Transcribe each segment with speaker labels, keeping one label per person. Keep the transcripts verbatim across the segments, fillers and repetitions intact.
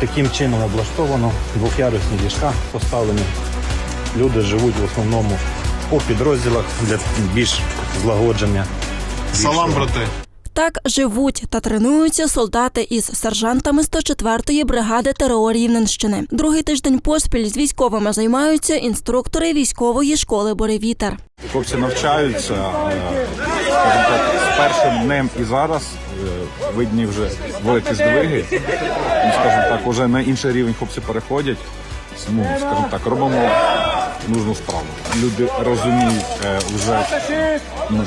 Speaker 1: таким чином облаштовано. Двох'ярусні ліжка поставлені. Люди живуть в основному по підрозділах для більш злагодження.
Speaker 2: Салам, брати!
Speaker 3: Так живуть та тренуються солдати із сержантами сто четвертої бригади ТрО Рівненщини. Другий тиждень поспіль з військовими займаються інструктори військової школи «Буревітер».
Speaker 4: Хлопці навчаються, скажімо так, з першим днем і зараз видні вже великі здвиги. Скажімо так, вже на інший рівень хлопці переходять. Ну, скажімо так, робимо нужну справу. Люди розуміють вже, ну,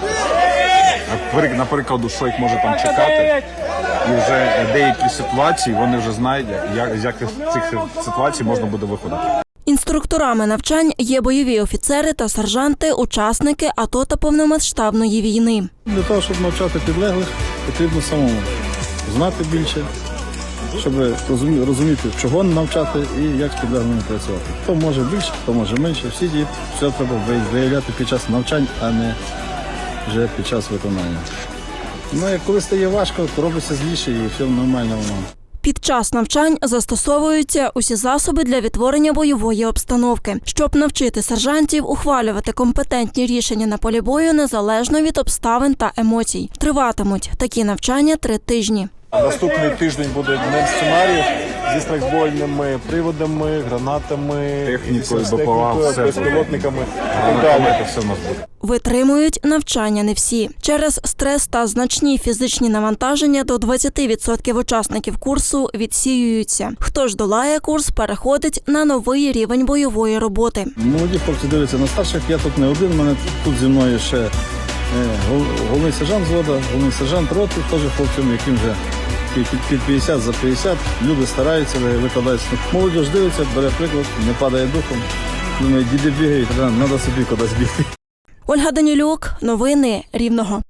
Speaker 4: наприклад, що їх може там чекати. І вже деякі ситуації вони вже знають, як з яких цих ситуацій можна буде виходити.
Speaker 3: Інструкторами навчань є бойові офіцери та сержанти, учасники АТО та повномасштабної війни.
Speaker 5: Для того, щоб навчати підлеглих, потрібно самому знати більше, щоб розуміти, чого навчати і як з підлеглими працювати. Хто може більше, хто може менше. Всі дії, все треба виявляти під час навчань, а не вже під час виконання. Ну, як коли стає важко, то робиться зліше і все нормально воно.
Speaker 3: Під час навчань застосовуються усі засоби для відтворення бойової обстановки, щоб навчити сержантів ухвалювати компетентні рішення на полі бою незалежно від обставин та емоцій. Триватимуть такі навчання три тижні.
Speaker 2: Наступний тиждень буде днем сценаріїв зі страйкбольними приводами, гранатами,
Speaker 4: Технікою,
Speaker 2: з
Speaker 4: БПЛА, все
Speaker 2: безпілотниками.
Speaker 4: Це все в нас буде.
Speaker 3: Витримують навчання не всі. Через стрес та значні фізичні навантаження до двадцять відсотків учасників курсу відсіюються. Хто ж долає курс, переходить на новий рівень бойової роботи.
Speaker 5: Молоді хлопці дивляться на старших, я тут не один, у мене тут зі мною ще е, головний сержант взводу, головний сержант роти, теж хлопцям, яким вже під, під п'ятдесят, за п'ятдесят. Люди стараються, викладаються. Молодь дивиться, бере приклад, не падає духом. Думаю, діди бігають, треба собі кудись бігти.
Speaker 3: Ольга Данілюк, новини Рівного.